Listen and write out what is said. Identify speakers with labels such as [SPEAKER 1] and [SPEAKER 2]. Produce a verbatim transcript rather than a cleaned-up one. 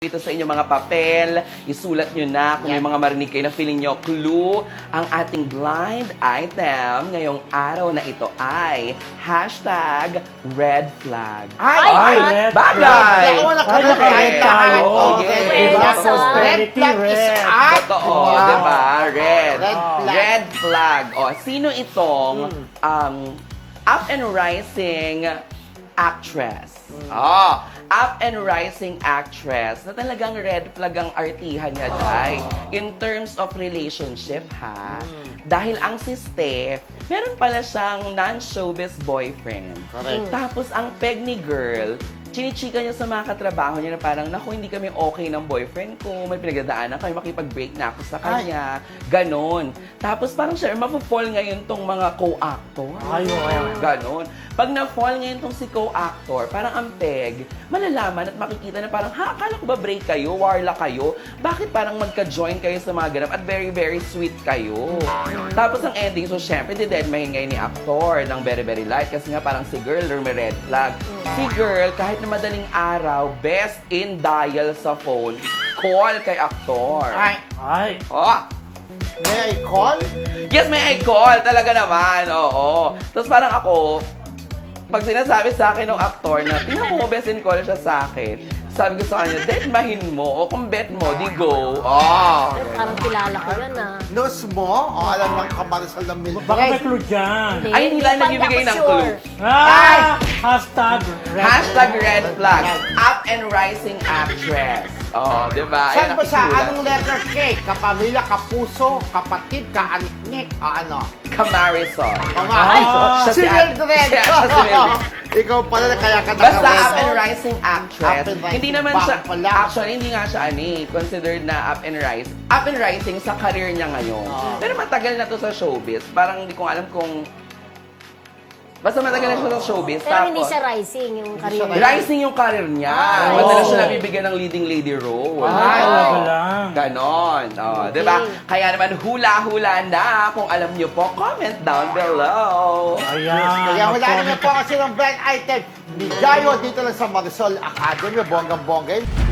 [SPEAKER 1] Dito sa inyong mga papel, isulat nyo na kung may mga marinig kayo na feeling nyo clue. Ang ating blind item ngayong araw na ito ay hashtag red flag.
[SPEAKER 2] Ay,
[SPEAKER 1] Ay,
[SPEAKER 2] red
[SPEAKER 1] bagay!
[SPEAKER 2] flag. Ako na
[SPEAKER 1] Ay,
[SPEAKER 2] red flag tayo.
[SPEAKER 1] Oh,
[SPEAKER 2] Okay.
[SPEAKER 1] yes.
[SPEAKER 2] Diba?
[SPEAKER 3] Red
[SPEAKER 2] Prosperity
[SPEAKER 3] flag is
[SPEAKER 2] red.
[SPEAKER 3] art.
[SPEAKER 1] Totoo,
[SPEAKER 2] Wow.
[SPEAKER 1] di ba? Red.
[SPEAKER 2] Red flag.
[SPEAKER 1] Red flag. O, sino itong um, up and rising actress? Oh, up and rising actress na talagang red flag ang artihan niya, Day. In terms of relationship, ha? Dahil ang si Steph, meron pala siyang non-showbiz boyfriend.
[SPEAKER 2] Correct.
[SPEAKER 1] Tapos ang peg ni girl, chinichika niya sa mga katrabaho niya na parang, naku, hindi kami okay ng boyfriend ko, may pinagdadaanan kami, makipag-break na ako sa kanya. Ganon. Tapos parang siya, mapufall ngayon tong mga co-actor.
[SPEAKER 2] Ay, oo.
[SPEAKER 1] Ganon. Pag na-fall ngayon tong si co-actor, parang ang peg, malalaman at makikita na parang, ha, akala ko ba break kayo, warla kayo? Bakit parang magka-join kayo sa mga ganap at very, very sweet kayo? Tapos ang ending, so syempre, didedmahin ngayon ni actor ng Very, Very Light kasi nga parang si girl, may red flag. Si girl, kahit na madaling araw, best in dial sa phone, call kay actor.
[SPEAKER 2] Ay,
[SPEAKER 3] Ay,
[SPEAKER 1] Oh,
[SPEAKER 2] may I call?
[SPEAKER 1] yes, may I call. Talaga naman, oo. Tapos parang ako, pag sinasabi sa akin ng aktor na, tingnan mo, best in call siya sa akin. Sabi ko sa kanya, detmahin mo. O kung bet mo, di go. Oh.
[SPEAKER 3] eh, parang kilala ko yan ah.
[SPEAKER 2] News mo? O alam ng kamarisal ng milk?
[SPEAKER 4] Baka may clue dyan.
[SPEAKER 1] Ay, hindi lang
[SPEAKER 3] pa
[SPEAKER 1] nagbibigay
[SPEAKER 3] ako
[SPEAKER 1] ng
[SPEAKER 3] sure.
[SPEAKER 1] clue.
[SPEAKER 4] Ah! Hashtag red.
[SPEAKER 1] Hashtag red flag. Up and rising actress. Oh, di ba?
[SPEAKER 2] Saan
[SPEAKER 1] Ayan,
[SPEAKER 2] ba siya?
[SPEAKER 1] nakisulat.
[SPEAKER 2] Anong letter K? Kapamilya, kapuso, kapatid, kaaniknik, o ano?
[SPEAKER 1] Kamarisol.
[SPEAKER 2] O nga,
[SPEAKER 4] Ah,
[SPEAKER 2] ay,
[SPEAKER 1] siya
[SPEAKER 2] si
[SPEAKER 1] si-
[SPEAKER 2] Mildred!
[SPEAKER 1] siya- siya si Mildred.
[SPEAKER 2] Ikaw pala na kaya ka
[SPEAKER 1] Basta
[SPEAKER 2] naka-red.
[SPEAKER 1] up and rising actress.
[SPEAKER 2] Up and rising.
[SPEAKER 1] Hindi naman
[SPEAKER 2] Baka
[SPEAKER 1] siya,
[SPEAKER 2] pala.
[SPEAKER 1] actually, hindi nga siya ani, considered na up and rise. Up and rising sa career niya ngayon.
[SPEAKER 2] Ah.
[SPEAKER 1] Pero matagal na to sa showbiz. Parang hindi ko alam kung... Basta matagal na siya sa showbiz.
[SPEAKER 3] Pero hindi
[SPEAKER 1] tapos-
[SPEAKER 3] siya rising yung
[SPEAKER 2] Hindi
[SPEAKER 3] career
[SPEAKER 2] siya
[SPEAKER 3] niya.
[SPEAKER 1] Rising yung career niya.
[SPEAKER 3] Ah,
[SPEAKER 1] Madalas
[SPEAKER 4] oo.
[SPEAKER 1] siya nabibigyan ng leading lady role.
[SPEAKER 4] Ay,
[SPEAKER 2] Ay,
[SPEAKER 4] talaga
[SPEAKER 2] oo.
[SPEAKER 4] lang.
[SPEAKER 1] Ganon. Oh,
[SPEAKER 3] Okay.
[SPEAKER 1] di ba? Kaya naman hula-hula na. Kung alam niyo po, comment down below.
[SPEAKER 4] Ayan.
[SPEAKER 2] Kaya wala
[SPEAKER 4] mag-comment
[SPEAKER 2] naman po kasi ng blind item. Bigayo dito lang sa Marisol Academy, bonggang-bongga.